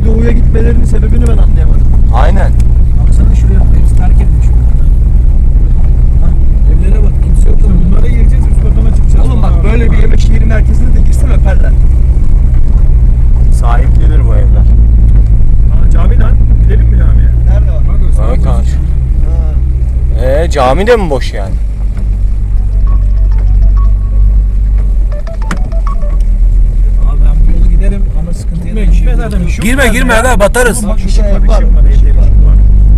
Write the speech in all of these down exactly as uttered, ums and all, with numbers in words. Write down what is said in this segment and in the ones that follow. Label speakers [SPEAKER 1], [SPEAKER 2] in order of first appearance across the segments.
[SPEAKER 1] niye doğuya gitmelerinin sebebini ben anlayamadım.
[SPEAKER 2] Aynen.
[SPEAKER 3] Baksana şuraya hepsi terk edilmiş. Evlere bak, kimse yok da bunlara gireceğiz, üst katına çıkacağız.
[SPEAKER 1] Oğlum bak böyle bir yemek yeri merkezine de girsen öperler.
[SPEAKER 2] Sahiplidir bu evler.
[SPEAKER 3] Aa, cami lan. Gidelim mi camiye?
[SPEAKER 1] Nerede var?
[SPEAKER 3] Bak o
[SPEAKER 2] Evet
[SPEAKER 3] sana
[SPEAKER 2] kanka.
[SPEAKER 1] Ha.
[SPEAKER 2] Eee cami de mi boş yani?
[SPEAKER 3] Abi ben bu yolu giderim ama sıkıntı
[SPEAKER 1] Gitme,
[SPEAKER 3] yok.
[SPEAKER 1] gitme zaten, bir şey yok
[SPEAKER 4] Girme
[SPEAKER 1] yani
[SPEAKER 4] girme
[SPEAKER 1] ya.
[SPEAKER 4] aga batarız.
[SPEAKER 3] Bak
[SPEAKER 1] Bir
[SPEAKER 3] ışık
[SPEAKER 1] şey
[SPEAKER 3] var,
[SPEAKER 1] var,
[SPEAKER 3] ışık var,
[SPEAKER 1] bir şey
[SPEAKER 3] ışık
[SPEAKER 1] var.
[SPEAKER 3] var.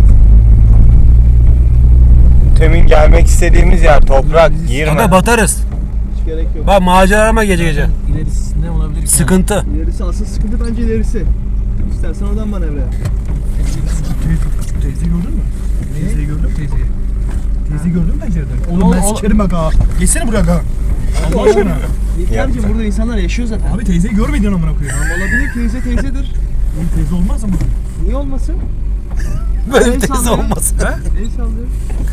[SPEAKER 2] Temin gelmek istediğimiz yer toprak. Girme.
[SPEAKER 4] Aga batarız.
[SPEAKER 1] Hiç gerek yok.
[SPEAKER 4] Bak macera arama gece gece.
[SPEAKER 3] İlerisi ne olabilir ki?
[SPEAKER 4] Sıkıntı.
[SPEAKER 1] İlerisi asıl sıkıntı bence ilerisi. İstersen oradan manevra yap.
[SPEAKER 3] Teyzeyi gördün mü? Teyzeyi gördün mü teyzeyi? Teyzeyi gördün mü pencereden? Oğlum ben
[SPEAKER 1] Oğlum,
[SPEAKER 3] sikerim bak ha. Geçsene buraya ha. Allah aşkına.
[SPEAKER 1] İlker'cim burada insanlar yaşıyor zaten.
[SPEAKER 3] Abi teyzeyi görmedin amına koyayım.
[SPEAKER 1] Tamam olabilir, teyze teyzedir.
[SPEAKER 3] Oğlum teyze olmaz ama.
[SPEAKER 1] Niye olmasın?
[SPEAKER 4] Benim
[SPEAKER 1] El
[SPEAKER 4] teyze
[SPEAKER 1] sallıyor.
[SPEAKER 4] olmasın.
[SPEAKER 1] El sallıyor.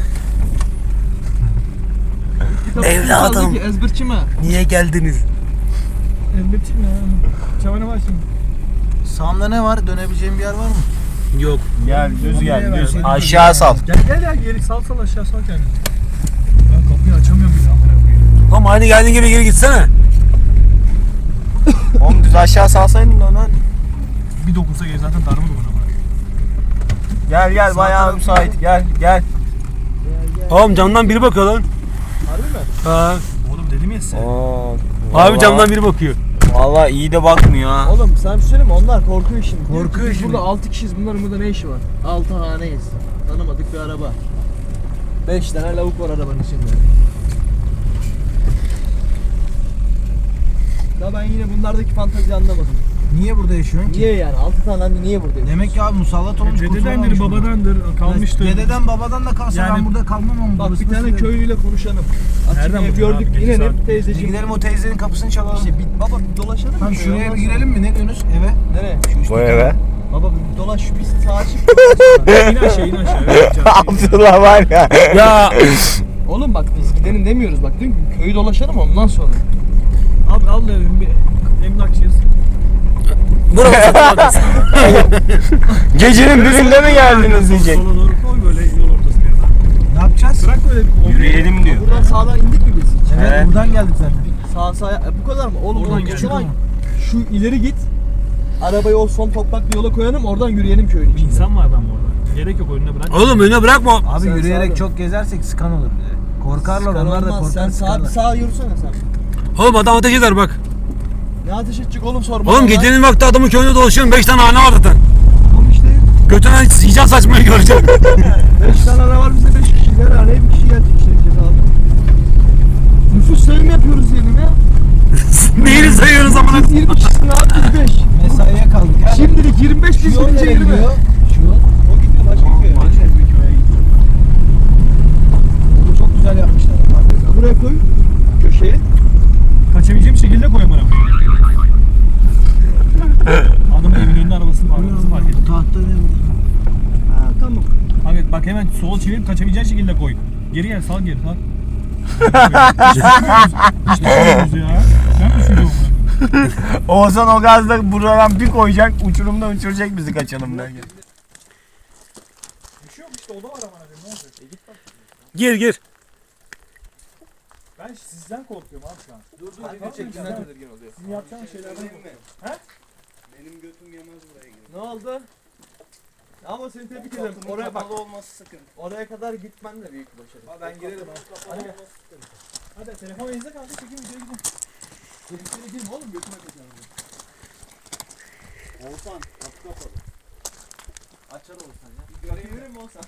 [SPEAKER 1] Kitap
[SPEAKER 4] Evladım.
[SPEAKER 1] kaldı ki, ezberçi mi?
[SPEAKER 4] Niye geldiniz?
[SPEAKER 3] Elbette mi ya? Çavana var şimdi.
[SPEAKER 5] Sağımda ne var? Dönebileceğim bir yer var mı?
[SPEAKER 4] Yok.
[SPEAKER 2] Gel düz
[SPEAKER 3] Nereye
[SPEAKER 2] gel
[SPEAKER 3] ver?
[SPEAKER 2] düz.
[SPEAKER 3] Seni
[SPEAKER 2] Aşağı sal.
[SPEAKER 3] Gel gel ya geri sal sal aşağı sal kendini. Ben kapıyı açamıyorum bile amına koyayım.
[SPEAKER 4] Oğlum aynı geldiğin gibi geri gitsene.
[SPEAKER 2] Oğlum düz aşağı salsaydın da onu.
[SPEAKER 3] Bir dokunsa geri zaten darma duman amına.
[SPEAKER 2] Gel gel bayağı müsait. Gel gel.
[SPEAKER 4] Oğlum camdan biri bakıyor lan.
[SPEAKER 1] Harbi mi?
[SPEAKER 4] Ha.
[SPEAKER 3] Oğlum dedim ya size.
[SPEAKER 2] Oo,
[SPEAKER 4] Abi camdan biri bakıyor.
[SPEAKER 2] Valla iyi de bakmıyor ha.
[SPEAKER 1] Oğlum sen bir söyleyeyim mi? Onlar korkuyor şimdi. Diyor ki,
[SPEAKER 5] Korkuyor
[SPEAKER 1] biz
[SPEAKER 5] şimdi.
[SPEAKER 1] Burada altı kişiyiz. Bunların burada ne işi var? altı haneyiz. Tanımadık bir araba. beş tane lavuk var arabanın içinde. Ya ben yine bunlardaki fantaziyi anlamadım.
[SPEAKER 5] Niye burada yaşıyorsun ki?
[SPEAKER 1] Niye yani? altı tane anne niye buradayız?
[SPEAKER 5] Demek ki abi musallat olmuş.
[SPEAKER 3] Dededendir,
[SPEAKER 5] kurtulamamış burada.
[SPEAKER 3] babadandır, kalmıştır.
[SPEAKER 5] Dededen babadan da kalsa
[SPEAKER 3] Yani-
[SPEAKER 5] ben burada kalmam ama
[SPEAKER 1] Bak
[SPEAKER 5] burası
[SPEAKER 1] bir tane
[SPEAKER 5] nasıl-
[SPEAKER 1] köylüyle konuşalım. Açık
[SPEAKER 3] Nereden
[SPEAKER 1] ev
[SPEAKER 3] buldun
[SPEAKER 1] gördük
[SPEAKER 3] abi? Gece
[SPEAKER 1] inelim
[SPEAKER 3] saat-
[SPEAKER 5] Bir
[SPEAKER 1] teyzeciğim.
[SPEAKER 5] gidelim o teyzenin kapısını çalalım.
[SPEAKER 1] İşte bir, baba bir dolaşalım.
[SPEAKER 5] Tamam
[SPEAKER 1] mı?
[SPEAKER 5] şuraya
[SPEAKER 1] Ondan
[SPEAKER 5] bir girelim mi? Ne diyorsunuz? Eve.
[SPEAKER 1] sonra- Nereye?
[SPEAKER 2] Bu eve.
[SPEAKER 1] Baba bir dolaş şu bir sağa çık.
[SPEAKER 3] İn aşağı in aşağı. Evet, canım.
[SPEAKER 2] Abdullah var ya.
[SPEAKER 4] Ya
[SPEAKER 1] Oğlum bak biz gidelim demiyoruz. Bak diyorum ki köyü dolaşalım ondan sonra.
[SPEAKER 3] Abi al da bir emlakçıyız.
[SPEAKER 4] burası satılmaz.
[SPEAKER 2] Gecenin birinde mi geldiniz diyecek.
[SPEAKER 3] Sola doğru koy böyle yol ortasına.
[SPEAKER 5] Ne yapacağız?
[SPEAKER 3] Bırak böyle bir
[SPEAKER 2] Yürüyelim diyor.
[SPEAKER 1] Buradan sağdan indik mi biz?
[SPEAKER 5] Evet,
[SPEAKER 2] Evet.
[SPEAKER 5] buradan geldik zaten.
[SPEAKER 1] Sağ sağ e, bu kadar mı? Oğlum
[SPEAKER 3] Oradan
[SPEAKER 1] oradan
[SPEAKER 3] geldik
[SPEAKER 1] geçelim.
[SPEAKER 5] ama.
[SPEAKER 1] Şu ileri git. Arabayı o son topraklı yola koyalım oradan yürüyelim köyün
[SPEAKER 3] Bir
[SPEAKER 1] içinde.
[SPEAKER 3] insan var adam orada. Gerek yok önüne bırak.
[SPEAKER 4] Oğlum önüne bırakma.
[SPEAKER 5] Abi
[SPEAKER 1] Sen
[SPEAKER 5] yürüyerek
[SPEAKER 1] sağda.
[SPEAKER 5] çok gezersek sıkan olur bize. Korkarlar
[SPEAKER 1] Sıkar
[SPEAKER 5] onlar da
[SPEAKER 1] olmaz.
[SPEAKER 5] korkar
[SPEAKER 1] Sen sağ,
[SPEAKER 5] sıkarlar.
[SPEAKER 1] sağ yürüsene sen.
[SPEAKER 4] Oğlum adam ateş eder bak.
[SPEAKER 1] Ne ateş edecek oğlum sorma.
[SPEAKER 4] Oğlum
[SPEAKER 1] bana.
[SPEAKER 4] gecenin vakti adamın köyünde dolaşıyorum. beş tane hane var zaten.
[SPEAKER 1] Oğlum işte
[SPEAKER 4] Götüne sıcak saçmayı göreceğim.
[SPEAKER 1] beş tane ara var bize beş kişiler araya bir kişi gelecek şirket abi. Nüfus sayımı yapıyoruz diyelim ya.
[SPEAKER 4] Neyini sayıyorsunuz amına?
[SPEAKER 1] Siz yirmi kişisin abi biz beş.
[SPEAKER 5] Mesaiye kaldık ya.
[SPEAKER 1] Şimdilik yirmi beş
[SPEAKER 5] Şu
[SPEAKER 1] biz
[SPEAKER 5] yol
[SPEAKER 1] birinci
[SPEAKER 5] nereye
[SPEAKER 1] yirmi.
[SPEAKER 5] gidiyor? Şu yol.
[SPEAKER 1] O gidiyor başka köye.
[SPEAKER 3] Başka bir köye gidiyor.
[SPEAKER 5] Bunu çok güzel yapmışlar.
[SPEAKER 1] Buraya koy. Köşeye.
[SPEAKER 3] Kaçabileceğim şekilde koy bana. Adamın evin önünde arabasını var. Arabasını fark ettim.
[SPEAKER 5] Tahta ne burada?
[SPEAKER 1] Ha tamam.
[SPEAKER 3] Abi bak hemen sola çevirip kaçabileceğin şekilde koy. Geri gel sal geri sal. Hiç düşünmüyoruz. Hiç düşünmüyoruz ya. Ben düşünüyorum bunu.
[SPEAKER 2] Oğuzhan o gazda buradan bir koyacak, uçurumda uçuracak bizi kaçalım derken.
[SPEAKER 3] Bir şey yok işte o da var ama ne olacak? E git bak.
[SPEAKER 4] Gir gir.
[SPEAKER 3] Ben sizden korkuyorum abi şu an.
[SPEAKER 1] Dur dur
[SPEAKER 3] video çektiğinden
[SPEAKER 1] tedirgin oluyor.
[SPEAKER 3] Sizin yapacağınız şeylerden korkuyorum. He?
[SPEAKER 2] Benim götüm yemez buraya girip.
[SPEAKER 1] Ne oldu? Ama seni tebrik ederim. Oraya bak.
[SPEAKER 2] olması sıkıntı.
[SPEAKER 1] Oraya kadar gitmen de büyük bir başarı.
[SPEAKER 2] Ben girerim.
[SPEAKER 1] Hadi gel.
[SPEAKER 3] Hadi telefon elinizde kaldı çekin videoya gidin.
[SPEAKER 1] Tehlikeli girme oğlum götüme kaçarım.
[SPEAKER 2] Oğuzhan kapı kapalı.
[SPEAKER 1] Açar olsan ya. Kapıyı verir mi olsan?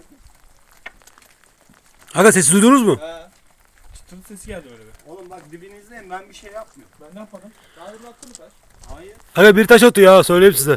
[SPEAKER 4] Aga sesi duydunuz mu?
[SPEAKER 1] He.
[SPEAKER 3] Çıtırtı sesi geldi öyle bir.
[SPEAKER 2] Oğlum bak dibinizdeyim, ben bir şey yapmıyorum.
[SPEAKER 3] Ben ne yapmadım?
[SPEAKER 1] Daha önce attın mı kaç?
[SPEAKER 2] Hayır.
[SPEAKER 4] Aga bir taş atıyor ya söyleyeyim size.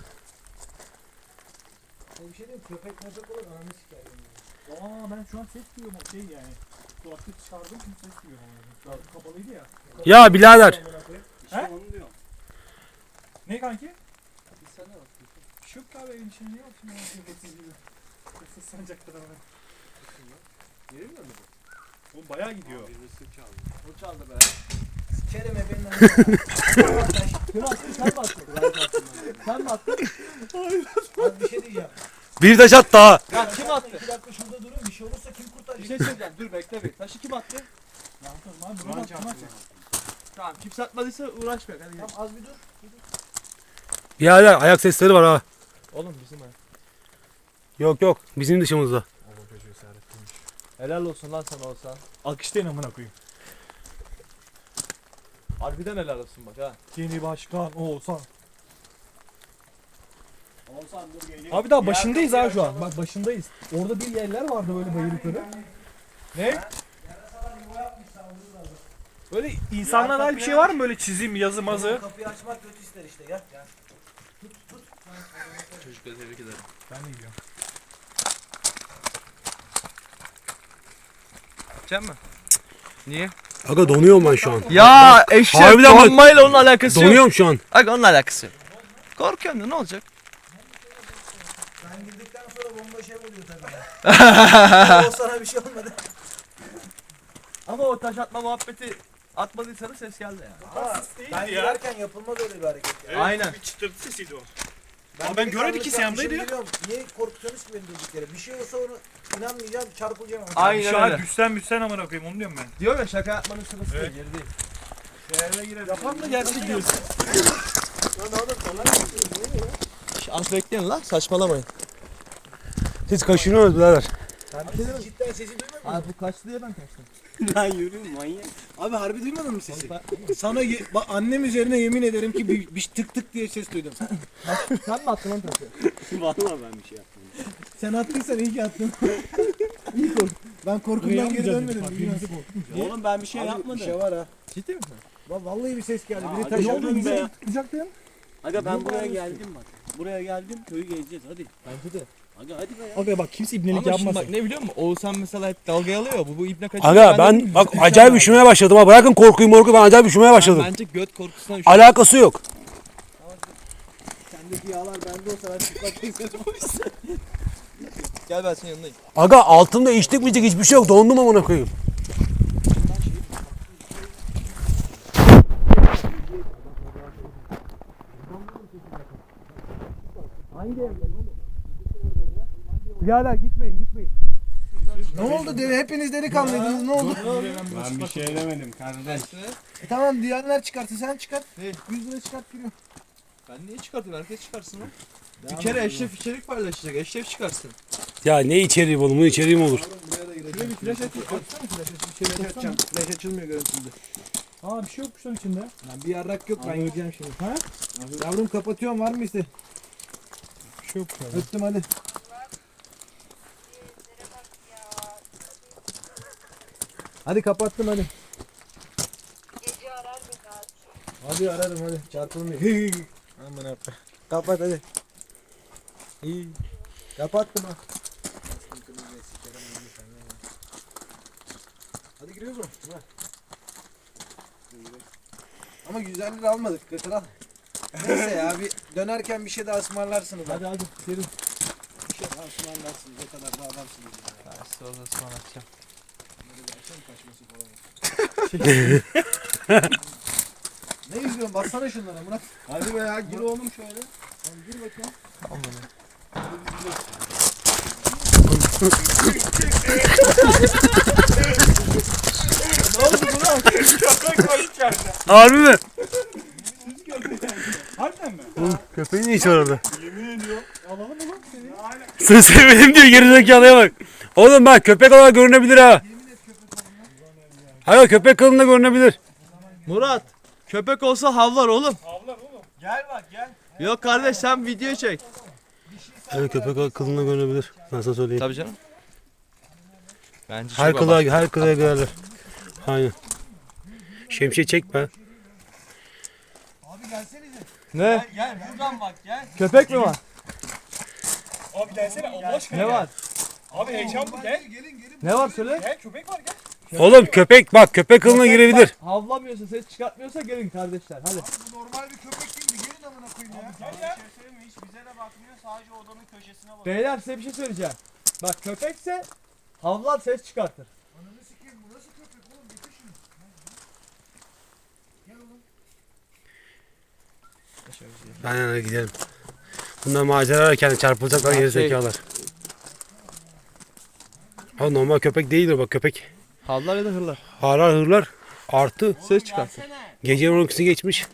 [SPEAKER 5] Bir şey diyeyim köpek köpek olur ananı sikerim.
[SPEAKER 3] Aa ben şu an ses duyuyorum o şey yani. Kulaklık çıkardım şimdi ses duyuyorum. Kulaklık kapalıydı ya.
[SPEAKER 4] Ya birader.
[SPEAKER 2] İşte
[SPEAKER 3] He?
[SPEAKER 2] onu diyorum.
[SPEAKER 3] Ne kanki?
[SPEAKER 1] Bir sene bak.
[SPEAKER 3] Bir şey yok ki abi evin içinde ne yapayım ya? Hırsız gibi. Hırsız sancakta da var.
[SPEAKER 1] Verir mi bu?
[SPEAKER 3] Oğlum bayağı gidiyor.
[SPEAKER 2] Birisi çaldı.
[SPEAKER 1] O çaldı be.
[SPEAKER 5] Sikerim ebeğinden.
[SPEAKER 1] Kim attı? Sen mi attın? Sen mi attın?
[SPEAKER 5] Az bir şey diyeceğim.
[SPEAKER 4] Bir taş at daha.
[SPEAKER 1] Ya kim attı?
[SPEAKER 5] İki dakika şurada durun, bir şey olursa kim
[SPEAKER 1] Bir
[SPEAKER 5] kurtaracak?
[SPEAKER 1] şey söyleyeceğim. Dur bekle bir. Taşı kim attı? Tamam kimse atmadıysa uğraşma. Hadi gel.
[SPEAKER 5] Tamam az bir dur.
[SPEAKER 4] Birader ayak sesleri var ha.
[SPEAKER 1] Oğlum bizim ha.
[SPEAKER 4] Yok yok bizim dışımızda.
[SPEAKER 1] Helal olsun lan sana olsa.
[SPEAKER 3] Alkışlayın amına koyayım.
[SPEAKER 1] Harbiden helal olsun bak ha.
[SPEAKER 3] Yeni başkan Oğuzhan.
[SPEAKER 2] Oğuzhan dur geliyor.
[SPEAKER 3] Abi daha başındayız ha şu an. Bak başındayız. Orada bir yerler vardı böyle bayır yukarı. Ne? Böyle insanlara dair bir şey var mı böyle çizim, yazı, mazı?
[SPEAKER 5] Kapıyı açmak kötü ister işte, gel. Gel.
[SPEAKER 1] Çocukları tebrik ederim.
[SPEAKER 3] Ben de gidiyorum.
[SPEAKER 1] Gidecek mi? Niye?
[SPEAKER 4] Aga donuyorum ben şu an.
[SPEAKER 1] Ya eşek
[SPEAKER 4] Harbiden bak-
[SPEAKER 1] donmayla onun alakası yok.
[SPEAKER 4] Donuyorum şu an.
[SPEAKER 1] Bak onun alakası yok. Korkuyorsun da ne olacak?
[SPEAKER 5] Sen girdikten sonra bomba şey oluyor tabii. O sana bir şey olmadı.
[SPEAKER 1] Ama o taş atma muhabbeti atmadıysanız ses geldi ya.
[SPEAKER 5] Ben girerken yapılmaz öyle bir hareket ya.
[SPEAKER 1] Aynen.
[SPEAKER 3] Bir çıtırtı sesiydi o.
[SPEAKER 5] Ben,
[SPEAKER 3] Ama ben
[SPEAKER 5] delikanlı
[SPEAKER 3] göremedim ki
[SPEAKER 5] yapmışım,
[SPEAKER 3] Siyam'daydı ya.
[SPEAKER 5] biliyorum. Niye korkutuyorsunuz ki beni durduk yere? Bir şey olsa onu inanmayacağım, çarpılacağım.
[SPEAKER 1] Aynen
[SPEAKER 3] Şu an
[SPEAKER 1] öyle.
[SPEAKER 3] güçten müsten amına koyayım onu diyorum ben.
[SPEAKER 1] Diyor ya şaka yapmanın sırası
[SPEAKER 3] Evet.
[SPEAKER 1] değil, yeri değil.
[SPEAKER 3] Şehre girelim.
[SPEAKER 1] Yapan da gerçek diyorsun. Az bekleyin lan, saçmalamayın.
[SPEAKER 4] Siz kaşınıyorsunuz birader.
[SPEAKER 5] Siz cidden sesi duymadın mı?
[SPEAKER 1] Abi bu kaçtı diye ben kaçtım.
[SPEAKER 2] Lan yürüyün manyak.
[SPEAKER 5] Abi harbi duymadın mı sesi? Sana ye- bak annem üzerine yemin ederim ki bir, bir tık tık diye ses duydum.
[SPEAKER 1] Sen mi attın lan taşı?
[SPEAKER 2] Vallahi ben bir şey yapmadım.
[SPEAKER 5] Sen attıysan iyi ki attın. iyi kork. Ben korkumdan geri dönmedim. bilmiyorum.
[SPEAKER 2] Oğlum ben bir şey
[SPEAKER 5] Abi,
[SPEAKER 2] yapmadım.
[SPEAKER 5] Bir şey var ha.
[SPEAKER 1] Ciddi misin?
[SPEAKER 5] Va- Vallahi bir ses geldi.
[SPEAKER 2] Aa,
[SPEAKER 5] Biri
[SPEAKER 2] hadi
[SPEAKER 5] taş
[SPEAKER 2] oğlum
[SPEAKER 5] aldı.
[SPEAKER 2] be.
[SPEAKER 1] Tutacaktın.
[SPEAKER 2] Aga ben buraya geldim bak. Buraya geldim köyü gezeceğiz hadi.
[SPEAKER 1] Bence de.
[SPEAKER 2] Aga hadi be ya.
[SPEAKER 3] Aga bak kimse ibnelik
[SPEAKER 1] Ama şimdi
[SPEAKER 3] yapmasın.
[SPEAKER 1] bak ne biliyor musun? Oğuzhan mesela hep dalgaya alıyor. Bu, bu ibne kaçıyor.
[SPEAKER 4] Aga ben bak acayip üşümeye başladım ha. Bırakın korkuyu morku ben acayip üşümeye başladım.
[SPEAKER 1] Bence göt korkusundan üşüyor.
[SPEAKER 4] Alakası yok.
[SPEAKER 5] Sendeki yağlar bende olsa ben çıplak gezerim.
[SPEAKER 1] Gel ben senin yanındayım.
[SPEAKER 4] Aga altımda içtik mi hiçbir şey yok. Dondum amına koyayım.
[SPEAKER 1] Birader gitmeyin gitmeyin.
[SPEAKER 5] Ne oldu deli? Hepiniz delikanlıydınız. Ne oldu?
[SPEAKER 2] Ben bir şey demedim kardeş.
[SPEAKER 5] E tamam diyenler çıkartı sen çıkart. yüz lira çıkart giriyor.
[SPEAKER 1] Ben niye çıkartayım? Herkes çıkarsın lan. Bir kere Eşref içerik paylaşacak. Eşref çıkarsın.
[SPEAKER 4] Ya ne içeriği oğlum? Bunun içeriği mi olur?
[SPEAKER 5] Buraya da gireceğim.
[SPEAKER 1] Şöyle bir flash atayım. Atsana flash atayım. Bir şey
[SPEAKER 5] Flash açacağım. Flash açılmıyor görüntüde.
[SPEAKER 3] Aa bir şey yokmuş lan içinde.
[SPEAKER 5] Lan bir yarrak yok ben yiyeceğim şimdi. Ha? Yavrum kapatıyorum var mı iste?
[SPEAKER 3] Bir şey yokmuş abi.
[SPEAKER 5] Öptüm hadi. Hadi kapattım hadi.
[SPEAKER 6] Gece arar mı kaç?
[SPEAKER 5] Hadi ararım hadi. Çarpılmıyor. Aman abi. Kapat hadi. İyi. Kapattım ha. Hadi giriyoruz mu? Ver. Ama güzel lira almadık. Götür al. Neyse ya bir dönerken bir şey daha ısmarlarsınız.
[SPEAKER 1] Hadi hadi. Gelin.
[SPEAKER 5] Bir şey daha ısmarlarsınız. O kadar da adamsınız. Ya.
[SPEAKER 1] Ben size o zaman ısmarlatacağım.
[SPEAKER 5] Akşam kaçması falan. Ne izliyorsun? Baksana şunlara Murat. Hadi be ya gir oğlum şöyle. Tamam gir bakayım.
[SPEAKER 1] Tamam bunu.
[SPEAKER 4] Harbi mi?
[SPEAKER 3] Harbiden mi?
[SPEAKER 4] Köpeğin ne işi var orada?
[SPEAKER 3] Yemin ediyorum. Alalım mı lan seni?
[SPEAKER 4] Seni sevmedim diyor gerizekalıya bak. Oğlum bak köpek olarak görünebilir ha. Hayır köpek kılığında görünebilir.
[SPEAKER 1] Murat. Köpek olsa havlar oğlum.
[SPEAKER 3] Avlar oğlum.
[SPEAKER 2] Gel bak gel.
[SPEAKER 1] Yok kardeş sen video çek.
[SPEAKER 4] Evet köpek kılığında görünebilir. Ben sana söyleyeyim.
[SPEAKER 1] Tabii canım. Bence
[SPEAKER 4] Her
[SPEAKER 1] çok
[SPEAKER 4] kılığa, her kılığa girerler. Aynen. Şemsiye çekme.
[SPEAKER 5] Abi gelsenize.
[SPEAKER 1] Ne?
[SPEAKER 2] Gel buradan bak gel.
[SPEAKER 1] Köpek mi var?
[SPEAKER 3] Abi gelsene Allah aşkına.
[SPEAKER 1] Ne
[SPEAKER 3] gel.
[SPEAKER 1] var?
[SPEAKER 3] Abi heyecan bu gel.
[SPEAKER 5] Gelin gelin.
[SPEAKER 1] Ne var söyle?
[SPEAKER 3] Gel köpek var gel.
[SPEAKER 4] Oğlum köpek bak köpek kılığına girebilir.
[SPEAKER 1] Havlamıyorsa ses çıkartmıyorsa gelin kardeşler hadi.
[SPEAKER 5] Bu normal bir köpek değil mi? Gelin amına koyayım ya.
[SPEAKER 2] Gel ya. Bir şey söyleyeyim mi? Hiç bize de bakmıyor. Sadece odanın köşesine bakıyor.
[SPEAKER 1] Beyler size bir şey söyleyeceğim. Bak köpekse havlar ses çıkartır.
[SPEAKER 5] Ananı sikeyim bu nasıl köpek oğlum? Getir şunu.
[SPEAKER 4] Aynen hadi gidelim. Bunlar macera ararken çarpılacaklar geri zekalar. Abi normal köpek değil o bak köpek.
[SPEAKER 5] Havlar ya da hırlar.
[SPEAKER 4] Harar hırlar artı
[SPEAKER 5] Ses çıkarsın.
[SPEAKER 4] gece on ikisi geçmiş.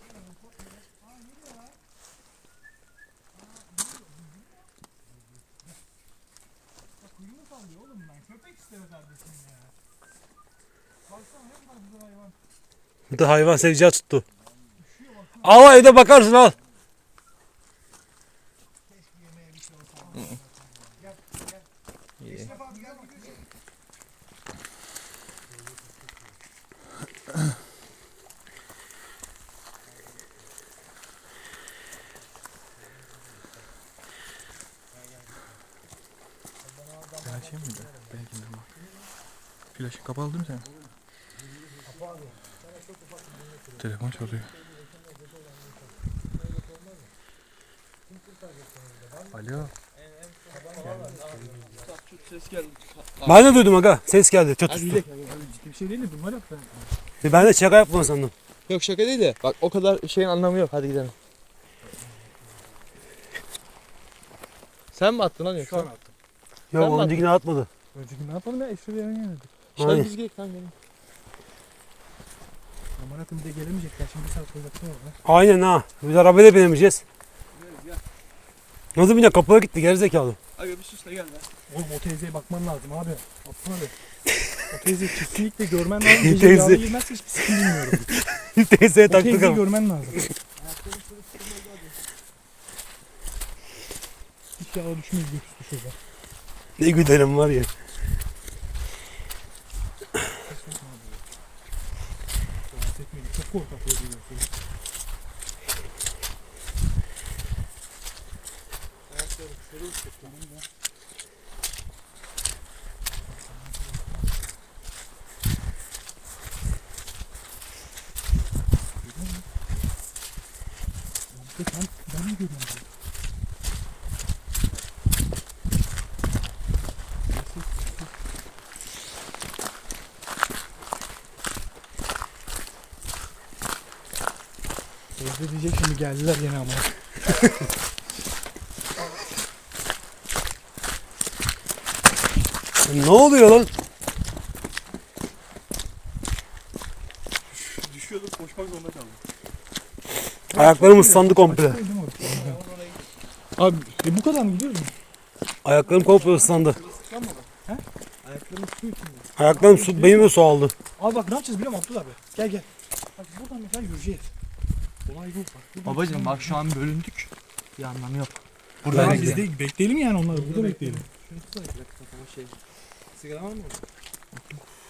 [SPEAKER 4] Bu da hayvan seveceği tuttu. Al evde bakarsın al.
[SPEAKER 5] Ben açayım mıydı? Benimkinde ama. Flaşı kapalı değil mi senin? Telefon çalıyor. Alo.
[SPEAKER 1] Ses geldi.
[SPEAKER 4] Ben de duydum aga. Ses geldi. Çat tuttu.
[SPEAKER 3] Ciddi bir şey değil mi? Bunlar yaptı.
[SPEAKER 4] Ben de şaka yapma sandım.
[SPEAKER 5] Yok şaka değil de. Bak o kadar şeyin anlamı yok. Hadi gidelim. Sen mi attın lan yoksa?
[SPEAKER 3] Şu an attım.
[SPEAKER 4] Yok
[SPEAKER 5] Sen mi
[SPEAKER 4] öncekini atmadı.
[SPEAKER 3] Önceki ne yapalım ya? Esra bir yerine geldik.
[SPEAKER 5] Şöyle
[SPEAKER 4] Aynen.
[SPEAKER 5] biz gidelim lan gelin.
[SPEAKER 3] Aman akım bir de gelemeyecekler. Şimdi bir saat sonra baksana orada.
[SPEAKER 4] Aynen ha. Biz arabaya binemeyeceğiz. Nasıl binecek? Kapıya gitti gerizekalı.
[SPEAKER 1] Aga bir sus da gel lan.
[SPEAKER 3] Oğlum o teyzeye bakman lazım abi. Abdullah abi. O teyzeyi kesinlikle görmen lazım. Gece
[SPEAKER 4] Teyze.
[SPEAKER 3] rüyada girmezse hiçbir sıkıntı bilmiyorum.
[SPEAKER 4] Teyzeye
[SPEAKER 3] O
[SPEAKER 4] taktık
[SPEAKER 3] teyzeyi
[SPEAKER 4] ama.
[SPEAKER 3] görmen lazım. Hiç yağla düşmeyiz götürsün şurada.
[SPEAKER 4] Ne güdelim var ya.
[SPEAKER 3] Rahatsız etmeyin. Çok korkak oluyor. Ben, ben mi görüyorum? Evde diyecek şimdi geldiler yine ama.
[SPEAKER 4] Ne oluyor lan?
[SPEAKER 3] Düşüyorduk koşmak zorunda kaldım.
[SPEAKER 4] Ayaklarım ıslandı komple.
[SPEAKER 3] Abi e, bu kadar mı gidiyoruz mu?
[SPEAKER 4] Ayaklarım komple ıslandı.
[SPEAKER 3] Ayaklarım su içinde.
[SPEAKER 4] Ayaklarım su, benim de su aldı.
[SPEAKER 3] Abi bak ne yapacağız biliyor musun Abdullah abi? Gel gel. Bak buradan mesela yürüyeceğiz. Olay bu bak. Buradan
[SPEAKER 5] Babacım bak şu an bölündük. Bir anlamı yok.
[SPEAKER 3] Burada
[SPEAKER 5] Burada
[SPEAKER 3] biz de bekleyelim yani onları. Burada bekleyelim.
[SPEAKER 5] Şunu tutsana bir dakika kafama şey. Sigara var mı orada?